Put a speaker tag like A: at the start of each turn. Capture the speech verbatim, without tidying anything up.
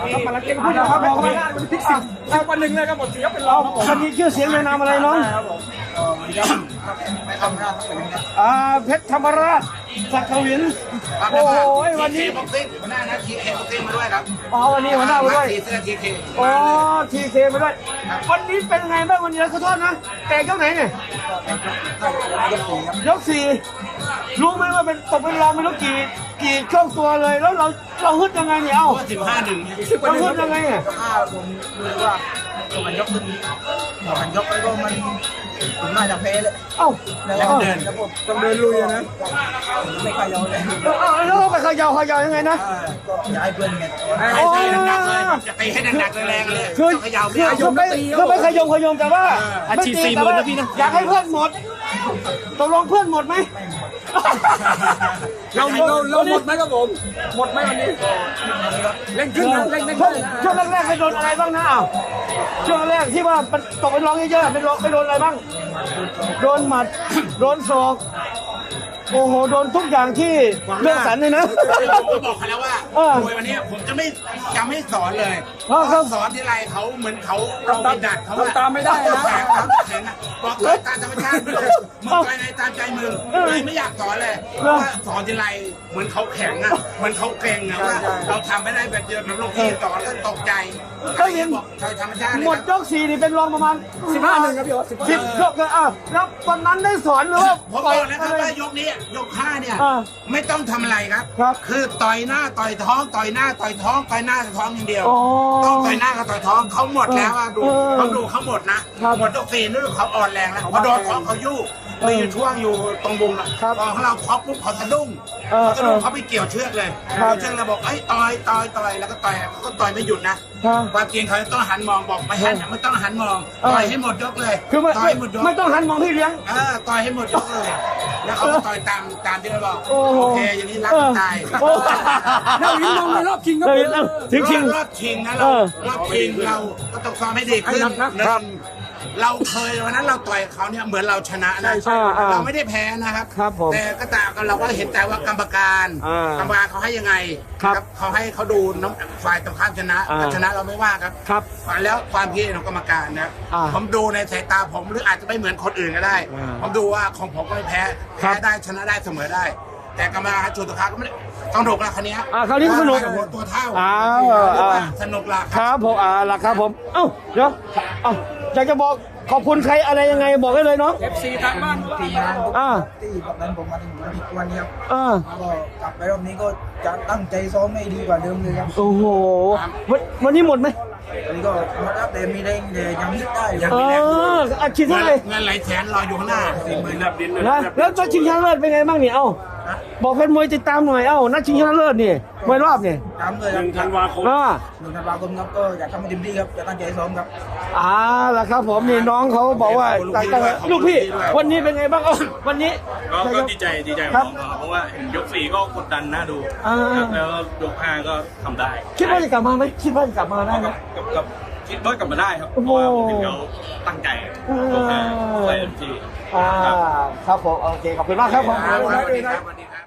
A: ครับมาแล้วเก่งพูดนะครับบอกมาได้มันพลิกสิบวันหนึ่งเลยครับหมดเสียเป็นรอง
B: คนนี้ชื่อเสียงในนามอะไรน้อง
A: ไม่ทำราชสักหนึ่งครับ
B: อ่าเพชรธรรมราชสักกวินโอ้ยวันนี้
A: บ็อกซิ่งหัวหน้านะทีเคบ็อกซิ่งมาด้วยครับ
B: อ๋อวันนี้หัวหน้ามาด้วย
A: ทีเสื้อทีเค
B: อ๋อทีเคมาด้วยวันนี้เป็นไงบ้างวันนี้ขอโทษนะแต่ยกไหนเนี่ยยกสี่รู้ไหมว่าเป็นตกเป็นรองไม่รู้กี่กี่ช่วงตัวเลยแล้วเราเราฮึดยังไงเนี่ยเอ้า
A: สิบห้าหนึ่ง
B: เราฮึดยังไงเนี่ย
A: ถ้าผมดูว่ามันยกขึ้นมันยกไปก็มันผมน่าจะแพ้เลย
B: เอ้า
A: แล้วเดินครับผมต้องเดินลุยนะไม่ขยับเลย
B: เอ้าแล้วไปเขย่าเขย่ายังไงนะ
A: ก็ย้ายเพื่อนไงให้ตีหนักๆเลยจะตีให้หนักๆแรงๆเลย
B: คือ
A: ขยับ
B: คือคือไม่คือไม่ขยมขยมแต่ว่า
A: อาชีพสี่หมื่นนะพี่นะ
B: อยากให้เพื่อนหมดตกลงเพื่อนหมดไหม
C: เราเราเราหมดไหมครับผมหมดไหมวันนี้เล่นขึ้นนะเล่นเล่น
B: ช่วง
C: ขึ้นนะ
B: ช่วงแรกๆไปโดนอะไรบ้างนะอ้าวช่วงแรกที่ว่ามันตกเป็นร้องเยอะๆไปโดนไปโดนอะไรบ้างโดนหมัดโดนศอกโอ้โหโดนทุกอย่างที่เรื่องสันเลยนะ
A: ผมก็บอกเขาแล้วว่า
B: เออ
A: มวยวันนี้ผมจะไม่จะไม่สอนเลย
B: เพราะเขา
A: สอนที่ไรเขาเหมือนเขาเราไปดัดเขา
C: ทำตามไม่ได้นะ
A: แข็งครับแข็งอะบอกเลยตามธรรมชาติมึงไปในตามใจมึงเลยไม่อยากสอนเลยเพราะว่าสอนที่ไรเหมือนเขาแข็งอ่ะเหมือนเขาเกรงอ่ะว่าเราทำไม่ได้แบบเดียวกับลูกพี่สอนก็ตกใจเขาเห็นบอกใช่ธรรมชาติเลย
B: หมดยกสี่นี่เป็นรองประมาณ
C: สิบห้าหนึ่งครับพี่โอ๊ต
B: สิบยกเลยอ่ะแล้วตอนนั้นได้สอนหรือว่า
A: ผมบอกนะครับว่ายกนี้ยกห้าเนี่ย
B: อ่า
A: ไม่ต้องทำอะไรครับ
B: ครับ
A: คือต่อยหน้าต่อยท้องต่อยหน้าต่อยท้องต่อยหน้าต่อยท้องอย่างเดียว
B: อ๋อ
A: ต้องต่อยหน้ากับต่อยท้องเขาหมดแล้วอะดู
B: เออ
A: เขาดูเขาหมดนะครับ หมดยกสี่นี่เขาอ่อนแรงแล้วพอโดนท้องเขายู่
B: เออ
A: มีอยู่ช่วงอยู่ตรงบุงอะ
B: ครับ
A: พอเขาเราครอบปุ๊บเขาสะดุ้ง
B: เออ
A: เขาสะดุ้ง
B: เออ
A: เขาไปเกี่ยวเชือกเลย
B: ครับ
A: เกี่ยวเชือกแล้วบอกไอ้ยต่อยต่อยต่อยแล้วก็ต่อยเขาก็ต่อยไม่หยุดนะครับ ความจริงเขาจะต้องหันมองบอกไม่หันไม่ต้องหันมอง
B: เออ
A: ต่อยให้หมดยกเลย
B: คือไม่
A: ต่อยให้หมดยก
B: ไม่ต้องหันมองพี่เลี้ยง
A: เออต่อยให้หมดยกเลย แล้วเขาก็ต่อยตามตามที่เราบอก
B: โอ้โห
A: โอเคอย่างนี้รักตาย
B: โอ้
C: เราลิ้นลงในรอบชิงครับ
B: เอ
C: ผ
B: อ
C: ม
B: ถึงชิง
A: รอบชิงนะ
B: เอ
A: เรา
B: อ
A: รอบชิงเราก็ต้องซ้อมให้ดีขึ้น
C: ให้หนักนะ
A: หนึ่งเราเคยวันนั้นเราต่อยเขาเนี่ยเหมือนเราชนะนะ
B: ใช่ใช่
A: เราไม่ได้แพ้นะครับ
B: ครับผม
A: แต่ก็ตามกันเราก็เห็นแต่ว่ากรรมการ
B: อ่าก
A: รรมการเขาให้ยังไง
B: ครับ
A: เขาให้เขาดูน้ำฝ่ายตรงข้ามชนะ
B: อ่า
A: ถ้าชนะเราไม่ว่าครับ
B: ครับ
A: แล้วความคิดของกรรมการนะ
B: อ่า
A: ผมดูในสายตาผมหรืออาจจะไม่เหมือนคนอื่นก็ได้
B: อ่า
A: ผมดูว่าของผมก็ไม่แพ้
B: ครั
A: แพ้
B: บ
A: ได้ชนะได้เสมอได้ แต่กรรมการจุดสุดท้ายก็ไม่ได้ต้องดุละคันนี้
B: อ่าคราวนี้ก็สนุก
A: หัวตัวเท่า
B: อ้าว
A: เรียกว่า
B: อ่า
A: สนุกละ
B: ครับผมอ่าล่ะครับผม เอ้าเดี๋ยวเอ้าอยากจะบอกขอบคุณใครอะไรยังไงบอกได้เลยเนาะ
C: เอฟซีทางบ้าน
D: ทีมงาน
B: อ่า
D: ที่แบบนั้นผมมาถึงวันนี้วันนี้ครับ
B: อ่า
D: ก็กลับไปรอบนี้ก็จะตั้งใจซ้อมให้ดีกว่าเดิมเลยครับ
B: โอ้โหวันวันนี้หมดไหม
D: วันนี้ก็มารับแต่มีแรงแต่ยังฮิตได้ยัง
B: เอออาชีพ
A: เงิ
B: เท่าน ไหร่
A: เงินไหลแสนรออยู่ข้างหน้าสี่หมื่นแบบดิน
B: นะแล้วตัวชิงชนะเลิศเป็นไงบ้างเนี่ยเอ้าบอกเป็นมวยติดตามหน่อยเอ้านัดชิงชนะเลิศนี่มวยรอบเนี่ย
D: ตามเลยครับ
C: ธันวาคม
B: อ่า
D: หนึ่งธันวาคมครับก็อยากทำให้เต็มที่ครับจะตั้งใจซ้อมครับ
B: อ่าล่ะครับผมนี่น้องเขาบอกว่าลูกพี่วันนี้เป็นไงบ้างเอ้าวันนี้
E: ก็ก็ดีใจดีใจ
B: ค
E: ข
B: รั
E: อบ งน้องเขาเพราะว่าเห็นยกสี่ก็กดดันน่าดู
B: อ่า
E: ครับแล้วยกห้าก็ทำได้
B: คิดว่าจะกลับมาไหมคิดว่าจะกลับมาได้ไหม
E: กับกับคิดว่ากลับมาได้ครับเพ
B: โอ้โห
E: ราะว่าผมเห็นเขาตั้งใจยกห้าใส่เต็มที่
B: อ่าครับผมโอเคขอบคุณมากครับผม
A: สวัสดีครับสวัสดีครับ